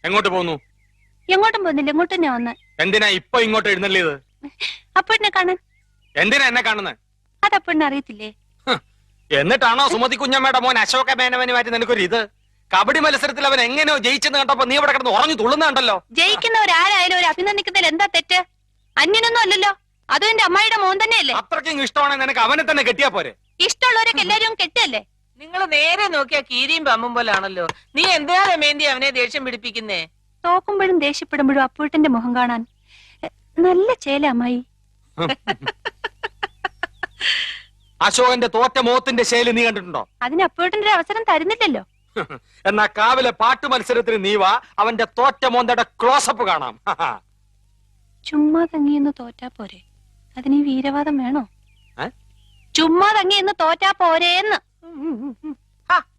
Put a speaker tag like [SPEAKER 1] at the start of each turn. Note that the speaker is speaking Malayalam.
[SPEAKER 1] എങ്ങോട്ട് പോന്നു?
[SPEAKER 2] എങ്ങോട്ടും പോകുന്നില്ല, ഇങ്ങോട്ട് തന്നെ വന്ന്.
[SPEAKER 1] എന്തിനാ ഇപ്പൊ ഇങ്ങോട്ട് എഴുന്നള്ളിയത്?
[SPEAKER 2] അപ്പഴിനെ കാണാൻ.
[SPEAKER 1] എന്തിനാ എന്നെ കാണുന്നത്?
[SPEAKER 2] അത് അപ്പഴിനെ അറിയത്തില്ലേ?
[SPEAKER 1] എന്നിട്ടാണോ സുമതി കുഞ്ഞമ്മയുടെ മോൻ അശോക മേനവനുമായിട്ട് നിനക്കൊരു ഇത്? കബഡി മത്സരത്തിൽ അവൻ എങ്ങനെയോ ജയിച്ചെന്ന് കണ്ടപ്പോ നീ ഇവിടെ കിടന്ന് ഉറഞ്ഞു തുള്ളുന്നുണ്ടല്ലോ.
[SPEAKER 2] ജയിക്കുന്നവരാരായാലും ഒരു അഭിനന്ദിക്കുന്നതിൽ എന്താ തെറ്റ്? അന്യനൊന്നും അല്ലല്ലോ, അതും എന്റെ അമ്മായിയുടെ മോൻ തന്നെയല്ലേ.
[SPEAKER 1] അത്രയ്ക്കും ഇഷ്ടമാണെങ്കിൽ നിനക്ക് അവനെ തന്നെ കെട്ടിയാ പോരെ?
[SPEAKER 2] ഇഷ്ടമുള്ളവരൊക്കെ എല്ലാരും കെട്ടല്ലേ?
[SPEAKER 3] നിങ്ങൾ നേരെ നോക്കിയാ കീരിയും പമ്പും പോലാണല്ലോ. നീ എന്തിനാ രമേന്തി അവനെ ദേഷ്യം പിടിപ്പിക്കുന്നേ?
[SPEAKER 2] തോക്കുമ്പോഴും ദേഷ്യപ്പെടുമ്പോഴും അപ്പൂട്ടന്റെ മുഖം കാണാൻ നല്ല ചേല അമ്മായി.
[SPEAKER 1] അശോകന്റെ തോറ്റ മോത്തിന്റെ ശൈലി നീ കണ്ടിട്ടുണ്ടോ?
[SPEAKER 2] അതിന് അപ്പൂട്ടന്റെ ഒരു അവസരം തരുന്നില്ലല്ലോ.
[SPEAKER 1] എന്നാ കാവിലെ പാട്ട് മത്സരത്തിന് നീ വാ, അവന്റെ തോറ്റ മോന്തയുടെ ക്ലോസപ്പ് കാണാം.
[SPEAKER 2] ചുമ്മാ തങ്ങിയെന്ന് തോറ്റാ പോരെ, അതിന് ഈ വീരവാദം വേണോ? ചുമ്മാ തങ്ങിയെന്ന് തോറ്റാ പോരേന്ന്.